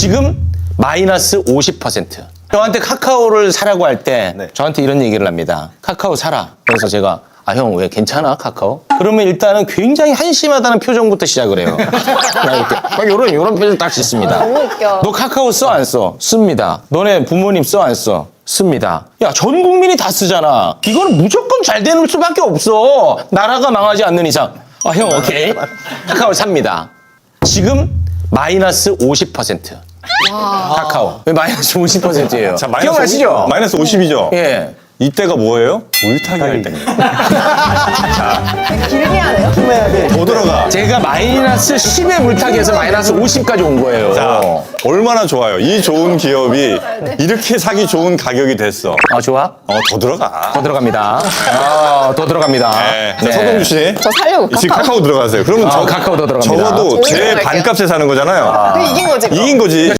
지금 마이너스 50%. 저한테 카카오를 사라고 할 때 네. 저한테 이런 얘기를 합니다. 카카오 사라. 그래서 제가 형 왜 괜찮아 카카오? 그러면 일단은 굉장히 한심하다는 표정부터 시작을 해요. 이런 표정 딱 짓습니다. 너무 웃겨. 너 카카오 써 안 써? 씁니다. 너네 부모님 써 안 써? 씁니다. 야, 전 국민이 다 쓰잖아. 이거는 무조건 잘 되는 수밖에 없어. 나라가 망하지 않는 이상. 형 오케이. 카카오 삽니다. 지금 마이너스 50%. 카카오. 왜 마이너스 50%예요? 자, 마이너스 기억나시죠? 마이너스 50이죠? 예. 이때가 뭐예요? 물타기 할 때입니다. 길게 하네요. 더 들어가. 제가 마이너스 10의 물타기에서 마이너스 50까지 온 거예요. 자, 얼마나 좋아요. 이 좋은 기업이 이렇게 사기 좋은 가격이 됐어. 좋아? 더 들어가. 더 들어갑니다. 더 들어갑니다. 네. 자, 서동주 씨. 저 살려고 지금 카카오 들어가세요. 그러면 카카오 더 들어갑니다. 적어도 제 들어갈게요. 반값에 사는 거잖아요. 이긴 거지. 그럼. 이긴 거지.